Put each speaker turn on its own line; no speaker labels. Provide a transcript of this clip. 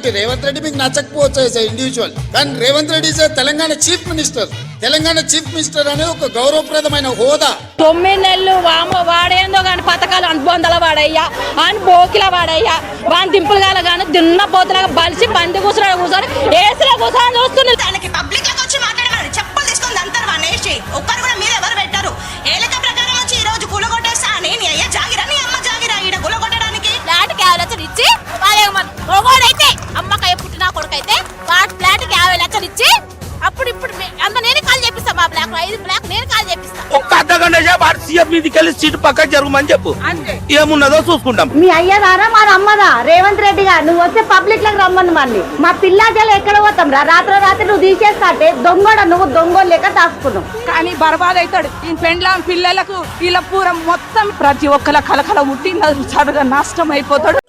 Okay Revanth Reddy మీకు నచ్చకపోవచ్చు as individual, కానీ Revanth Reddy is Telangana chief minister. Telangana chief minister అనేది ఒక గౌరవప్రదమైన హోదా.
9 నెలలు వాడేందో కానీ పథకాలు అనుబంధాల వాడయ్యా, అని బోకిల వాడయ్యా, వాని దింపులు గాల కానీ దున్న పోతులాగా బలిసి పంది కూర్చొని ఏసులో కూర్చొని చూస్తుంది.
దానికి పబ్లిక్ లోకి వచ్చి మాట్లాడేవాడు చెప్పులు తీసుకొని అంటారు వాడిని వేసి ఒక్కరు కూడా మీరు ఎవరు పెట్టారు. ఏలక ప్రకారం వచ్చి ఈ రోజు కూలగొట్టేస్తా అని నీ అయ్యా జాగిరా నీ అమ్మ జాగిరా ఈడ కూలగొట్టడానికి
ఫ్లాట్ కి 50 లక్షలు ఇచ్చి అయితే అమ్మకాయ పుట్టిన కొడుకైతే ఫ్లాట్ కి 50 లక్షలు ఇచ్చి అప్పుడు ఇప్పుడు అంత నేను కాల్ చేపిస్తా. మా బ్లాక్ 5 బ్లాక్ నేను కాల్ చేపిస్తా.
ఒక్క అర్ధగంట సేపు సీఎం మీదకి వెళ్ళి సీటు పక్క జరగమని చెప్పు, ఏమున్నదో చూసుకుంటాం.
మీ అయ్యదారా మా అమ్మదా రేవంత్ రెడ్డి గారు నువ్వు వచ్చే పబ్లిక్ లకు రమ్మని మళ్ళీ మా పిల్లాజలు ఎక్కడ పోతాం రా, రాత్రి నువ్వు తీసేస్తా అంటే దొంగోడ నువ్వు దొంగోలు లెక్క దాచుకున్నావు.
కానీ బర్బాద్ అవుతాడు ఈ పెండ్లాం పిల్లలకు వీళ్ళ పూర మొత్తం ప్రతి ఒక్కల కలకల ముట్టి సడగా నష్టం అయిపోతాడు.